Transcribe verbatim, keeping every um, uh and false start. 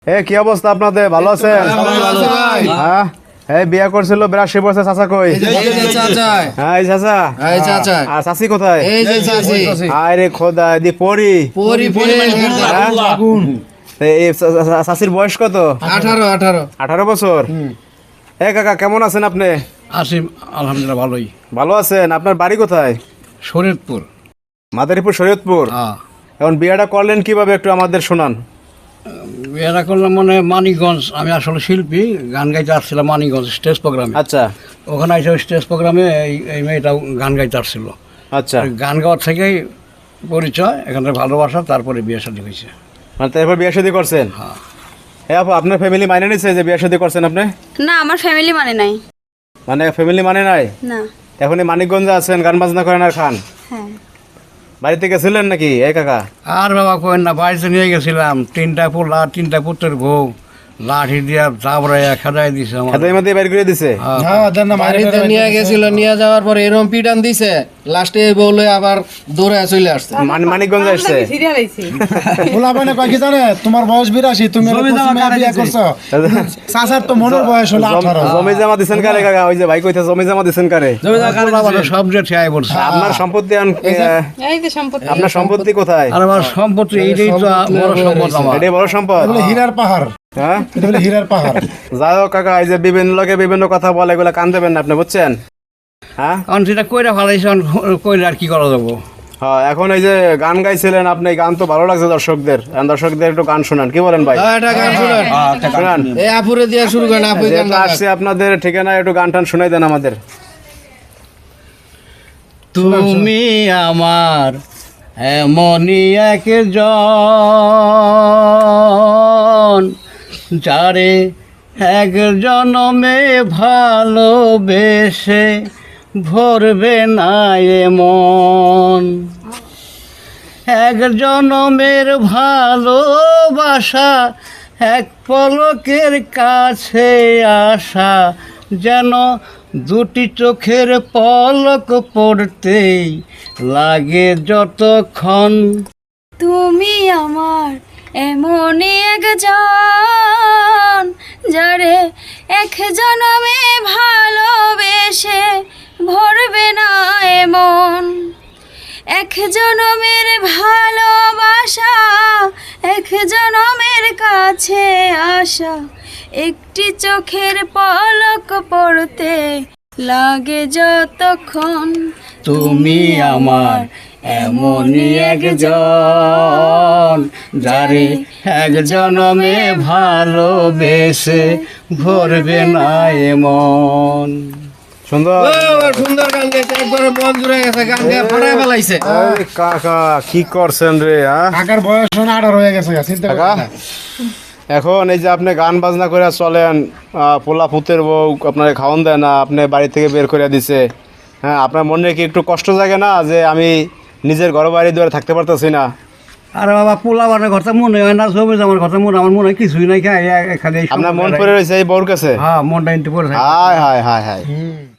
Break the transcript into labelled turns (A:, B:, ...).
A: এ কি অবস্থা আপনাদের? ভালো আছেন? হ্যাঁ, এই বিয়ে করছিল বিরাশি বছর। চাচা কই? হ্যাঁ, এই চাচা। আর চাচি কোথায়? আরে খোদা, দি পরি চাচির বয়স কত?
B: আঠারো আঠারো
A: আঠারো বছর। এ কাকা, কেমন আছেন আপনি?
B: আছি আলহামদুলিল্লাহ, ভালোই।
A: ভালো আছেন? আপনার বাড়ি কোথায়?
B: শরীয়তপুর।
A: মাদারীপুর, শরীয়তপুর।
B: হ্যাঁ,
A: এখন বিয়েটা করলেন কিভাবে, একটু আমাদের শোনান।
B: বিয়েটা করলাম মানে মানিকগঞ্জ। আমি আসলে শিল্পী, গান গাইতে আসছিলাম মানিকগঞ্জ স্টেজ প্রোগ্রামে।
A: আচ্ছা
B: ওখানে এসে স্টেজ প্রোগ্রামে এই এই মেয়েটা গান গাইতে আসছিল।
A: আচ্ছা,
B: ওই গান গাওয়ার থেকেই পরিচয়, এখান থেকে ভালোবাসা, তারপরে বিয়ে শাদী হয়েছে।
A: মানে তারপর বিয়ে শাদী করছেন?
B: হ্যাঁ।
A: হ্যাঁ আপু, আপনার ফ্যামিলি মানে নিচ্ছে যে বিয়ে শাদী করছেন আপনি?
C: না, আমার ফ্যামিলি মানে নাই।
A: মানে ফ্যামিলি মানে নাই?
C: না।
A: এখন এই মানিকগঞ্জে আছেন, গান বাজনা করেন আর খান।
C: হ্যাঁ।
A: বাড়িতে গেছিলেন নাকি এই কাকা?
B: আর বাবা কোয়েন না, বাড়িতে নিয়ে গেছিলাম। তিনটা পোলা, তিনটা পুত্রের বউ, লাঠি দিয়া চাবড়াইয়া খেদাই দিছে আমার।
A: খেতে মধ্যে বের করে দিছে?
D: বাড়িতে নিয়ে গেছিল, নিয়ে যাওয়ার পরে এরকম পিটান দিছে, লাস্টে বলে আবার দৌড়ে চলে আসছে।
A: মান- মানিকগঞ্জ আসছে।
E: বলাবানে কয় কি জানে, তোমার বয়স বিরাশি, তুমি বিয়ে করছো, চাচার তো মনের বয়স হলো
A: জম-
E: আঠারো।
A: জমি জমা দিছেন কারে কাকা? ওই যে ভাই কইতে জমি জমা দিছেন কারে?
B: সব যে ঠিয়াই পড়ছে।
A: আপনার সম্পত্তি আন-
C: এই যে সম্পত্তি।
A: আপনার সম্পত্তি কোথায়?
B: আর আমার সম্পত্তি এইটাই তো বড় সম্পদ আমার।
A: এটাই বড় সম্পদ।
E: এটা হলো হীরার পাহাড়,
A: হ্যাঁ,
E: এটা হলো হীরার পাহাড়।
A: যাই হোক কাকা, এই যে বিভিন্ন লোকে বিভিন্ন কথা বলে, এগুলো কান দেবেন না আপনি, বুঝছেন? হ্যাঁ
B: কারণ সেটা কইরা ভালাইছে, কইরা আর কি করা যাবো।
A: হ্যাঁ, এখন এই যে গান গাইছিলেন আপনি, এই গান তো ভালো লাগছে দর্শকদের। এখন দর্শকদের একটু গান শোনান, কি বলেন ভাই?
D: হ্যাঁ, এটা গান শুনেন।
A: শোনান।
D: এই আপুরে দিয়ে শুরু করেন, আপু গান
A: যেহেতু আসছে আপনাদের ঠিকানা, একটু গান টান শোনাই দেন আমাদের।
B: তুমি আমার এমনই একজন, যারে এক জনমে ভালোবেসে ভরবে না এমন। এক জনমের ভালোবাসা, এক পলকের কাছে আসা, যেন দুটি চোখের পলক পড়তেই লাগে যতক্ষণ।
C: তুমি আমার এমনই একজন, যারে এক জনমে ভালোবেসে ভরবে না এমন। এক জনমের ভালোবাসা, এক জনমের কাছে আসা, একটি চোখের পলক পড়তে লাগে যতক্ষণ।
B: তুমি আমার এমনই একজন, যারে এক জনমে ভালোবেসে ভরবে না এমন।
A: সুন্দর।
D: সুন্দর গান গেছে, একবারে মন জুড়ে গেছে, গান গেয়ে ফাটায় ফেলাইছে।
A: এই কাকা কি করছেন রে? হ্যাঁ
E: কাকার বয়স হলো আঠারো হয়ে গেছে, চিন্তা
A: কাকা,
E: করেন না।
A: এখন এই যে আপনি গান বাজনা করে চলেন, আহ, পোলা পুতের বউ আপনার খাওয়ান দেয় না, আপনি বাড়ি থেকে বের করে দিছে। হ্যাঁ, আপনার মনে কি একটু কষ্ট জাগে না যে আমি নিজের ঘর বাড়ি দুয়ারে থাকতে পারতেছি না?
B: আরে বাবা, পোলা বানের কথা মনে হয় না, ছবি আমার কথা মনে, আমার মনে হয় কিছুই নাই। খাই খালি
A: আপনার মন পড়ে রয়েছে এই বউর কাছে?
B: হ্যাঁ, মনটা ইনতে পড়ে থাকে।
A: হায় হায় হায় হায়।